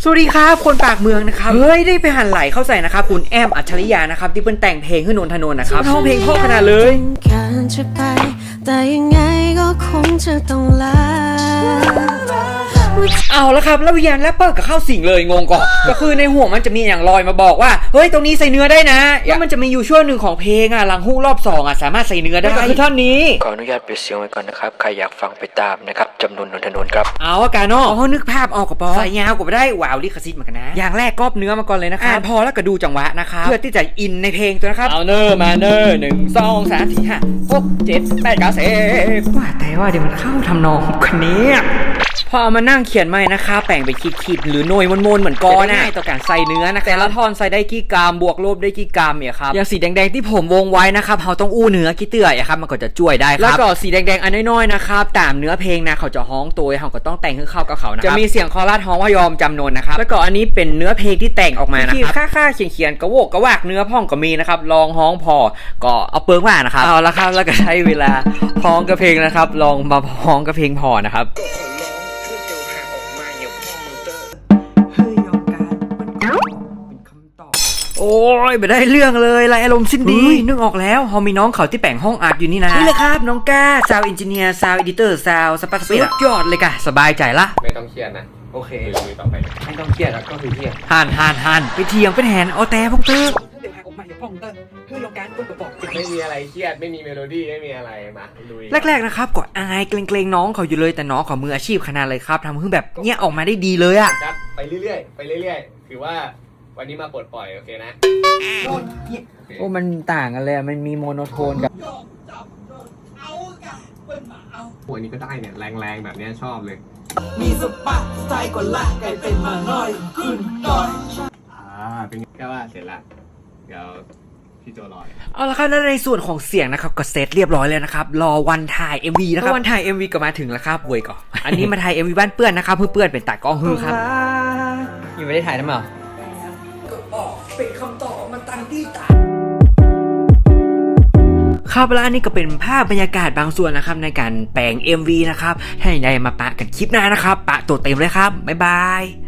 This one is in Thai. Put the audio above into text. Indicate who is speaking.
Speaker 1: สวัสดีครับคนปากเมืองนะครับเฮ้ยได้ไปหันไหลเข้าใส่นะครับคุณแอมอัจฉริยะนะครับที่เป็นแต่งเพลงให้นนทนนท์นะครับร้องเพลงเพราะขนาดเลย
Speaker 2: การจะไปแต่ยังไงก็คงจะต้องลา
Speaker 1: เอาละครับแล้ววิญญาณแรปเปอร์ก็เข้าสิงเลยงงก่อนก็คือในห่วงมันจะมีอย่างลอยมาบอกว่าเฮ้ยตรงนี้ใส่เนื้อได้นะแล้วมันจะมีอยู่ช่วงหนึ่งของเพลงหลังฮุกรอบ2สามารถใส่เนื้อได้ก็คือท่อนนี้
Speaker 3: ขออนุญาตปิดเสียงไว้ก่อนนะครับใครอยากฟังไปตามนะครับจำนวนนนทนนท์ครับ
Speaker 1: เอาอาการเนาะนึกภาพออกกับปอใส่ยาวก็ไม่ได้ว้าวลิขสิทธิ์เหมือนกันนะอย่างแรกก๊อปเนื้อมาก่อนเลยนะครับพอแล้วก็ดูจังหวะนะครับเพื่อที่จะอินในเพลงตัวนะครับเอาเนอร์มาเนอร์1 2 3 4 5 6 7 8 9 10ว่าแต่ว่าเดี๋ยวมันเข้าทำนองคนนี้พอเอามานั่งเขียนใหม่นะคะแป่งไปขีดๆหรือหน่วยมนๆเหมือนกอนะต่อการใส่เนื้อนะแต่ละท่อนใส่ได้กี่กรัมบวกลบได้กี่กรัมเนี่ยครับอย่างสีแดงๆที่ผมวงไว้นะครับเขาต้องอู้เนื้อกี่เตื่อยครับมันก็จะช่วยได้ครับแล้วก็สีแดงๆอันน้อยๆนะครับตามเนื้อเพลงนะเขาจะฮ้องตัวเขาก็ต้องแต่งให้เข้ากับเขานะครับจะมีเสียงคอรัสฮ้องว่ายอมจำนนนะครับแล้วก็อันนี้เป็นเนื้อเพลงที่แต่งออกมานะครับค่าเขียนกระโวกกระวากเนื้อพ่องก็มีนะครับลองฮ้องพอก็เอาเปิงว่านะครับเอาละครับแล้วก็ใช้เวลาฮ้องกับเพลงนะครับลองมาฮ้องกับเพลงพอนะครับโอ้ยไม่ได้เรื่องเลยไรอารมณ์สิ้นดีนึกออกแล้วเขามีน้องเขาที่แป่งห้องอัดอยู่นี่นะนี่เลยครับน้องก้าซาวด์เอนจิเนียร์ซาวด์เอดิเตอร์ซาวด์สปาร์ตสุดยอดเลยกะสบายใจละ
Speaker 4: ไม่ต้องเครียดนะ
Speaker 1: โอเค
Speaker 4: ลุยต่อไป
Speaker 1: ไม่ต้องเครียดแล้วก็คือเครียดหันไปเทียงเป็นแหนเอาแต่พงเตอร์เดี๋ยวหาออกมาอย่าพงเตอร์เพื่อลงการกดกระบอก
Speaker 4: ไม่มีอะไรเครียดไม่มีเมโลดี้ไม่มีอะไรมาลุย
Speaker 1: แรกๆนะครับก็อายเกรงๆน้องเขาอยู่เลยแต่น้องเขามืออาชีพขนาดเลยครับทำให้แบบเนี้ยออกมาได้ดีเลยอะ
Speaker 4: ครับไปเรื่อยๆคือว่าวันนี้มาปลดปล่อยโอเคนะ
Speaker 1: โอ้มันต่างกันเลยมันมีโมโนโทนกับ
Speaker 4: วันนี้ก็ได้เนี่ยแรงๆแบบนี้ชอบเลย
Speaker 5: มีสปาสไตล์กว่าละไกลเป็นมาหน่อยขึ้นหน่อย
Speaker 4: เป็นแค่ว่าเสร็จละเดี๋ยวพี่โจรอ
Speaker 1: เอาละครับแล้วในส่วนของเสียงนะครับก็เซตเรียบร้อยแล้วนะครับรอวันถ่าย MV นะครับวันถ่าย MV ก็มาถึงแล้วครับเว้ยก่อนอันนี้มาถ่าย MV บ้านเปื้อนนะครับเพื่อเปื้อนเป็นตากล้องฮือครับยังไม่ได้ถ่ายนะมั้งก็ออกเป็นคำตอบมันตั้งที่ตาครับแล้วอันนี้ก็เป็นภาพบรรยากาศบางส่วนนะครับในการแปลง MV นะครับให้ได้มาปะกันคลิปหน้านะครับปะตัวเต็มเลยครับบ๊ายบาย